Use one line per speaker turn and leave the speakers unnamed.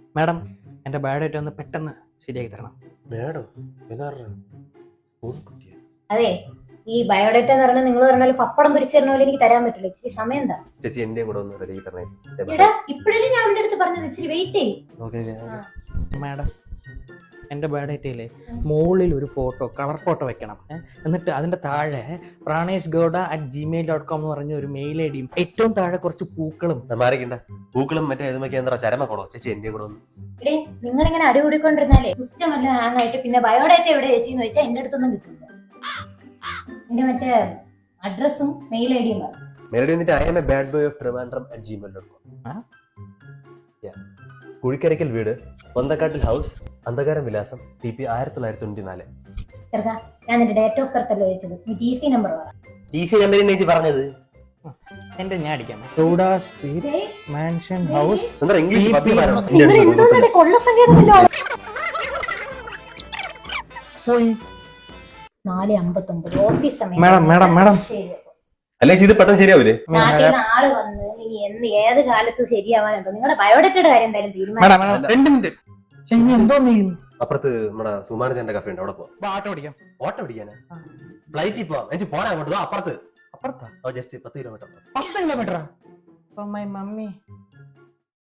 Madam എൻ്റെ biodata ഒന്ന് പെട്ടെന്ന് ശരിയാക്കി തരണം.
മേഡം
അതെ, ഈ ബയോഡേറ്റ എന്ന് പറഞ്ഞാൽ നിങ്ങൾ പറഞ്ഞാൽ പപ്പടം പൊരിച്ചു തരുന്ന പോലെ എനിക്ക് തരാൻ പറ്റില്ല. ഇച്ചിരി സമയം എന്താ
ചേച്ചി എന്റെ കൂടെ ഒന്ന് റെഡി തരണേ.
എടാ, ഇപ്പോഴല്ലേ ഞാൻ അവന്റെ അടുത്ത് പറഞ്ഞത് ഇച്ചിരി വെയിറ്റ് ചെയ്യും.
മാഡം എൻ്റെ ബയോഡേറ്റയിലെ മുകളിൽ ഒരു ഫോട്ടോ, കളർ ഫോട്ടോ വെക്കണം. എന്നിട്ട് അതിൻ്റെ താഴെ praneshgowda@gmail.com എന്ന് പറഞ്ഞ ഒരു മെയിൽ ഐ ഡിയും ഏറ്റവും താഴെ കുറച്ച് പൂക്കളും.
മാറിക്കണ്ട പൂക്കളും മറ്റേ ഇതുമൊക്കെ എന്താ ചരമക്കോളോ. ചേച്ചി എന്റെ കൂടെ ഒന്ന്.
എടേ, നിങ്ങൾ ഇങ്ങനെ അടികൂടിക്കൊണ്ടിരുന്നാലേ സിസ്റ്റം എല്ലാം ഹാങ് ആയിട്ട് പിന്നെ ബയോഡേറ്റ എവിടെ ചേച്ചിന്ന് ചോദിച്ചാൽ എന്റെ അടുത്തൊന്നും കിട്ടില്ല. എന്റെ മറ്റേ അഡ്രസ്സും മെയിൽ ഐ ഡിയും പറഞ്ഞു.
മെലഡി വന്നിട്ട് I am a bad boy of Trivandrum@gmail.com. കുഴിക്കരയ്ക്കൽ വീട്, പൊന്തക്കാട്ടിൽ ഹൗസ്, അന്ധകാരം വിലാസം, TP 1994.
ചെറുക്കാ, ഞാൻ നിന്റെ ഡേറ്റ് ഓഫ് ബർത്ത് അല്ലേ ചോദിച്ചത്, നീ TC നമ്പർ പറ.
TC നമ്പർ ചേച്ചി പറഞ്ഞത്
എൻ്റെ ഞാൻ അടിക്കാം. Gowda street mansion house.
എന്താ ഇംഗ്ലീഷ് പബ്ലിക് പറയണം.
നിങ്ങൾ എന്തോന്നേ കൊള്ളസംഖ്യ
പോയി
4:59 ഓഫീസ് സമയം.
മാഡം
ശരി.
അല്ലേ ഇത് പെട്ടെന്ന് ശരിയാവൂലേ?
നാട്ടിൽ നിന്ന് ആള് വന്ന് നീ ഏത് കാലത്ത് ശരിയാവാനെന്തോ നിങ്ങളുടെ ബയോഡേറ്റയുടെ കാര്യം എന്തായാലും തീരുമാനം.
അപ്പുറത്ത് നമ്മുടെ സുമാനചന്റെ കഫേ ഉണ്ട്, അവിടെ പോവാം.
ഓട്ടോ പിടിക്കാം.
ഓട്ടോ പിടിക്കാനാ? ഫ്ലൈറ്റിൽ പോവാം. എനിക്ക് പോരാ അങ്ങോട്ട്. അപ്പുറത്ത്
അപ്പുറത്താ
ജസ്റ്റ് 10 കിലോമീറ്റർ.
10 കിലോമീറ്ററാ? My mummy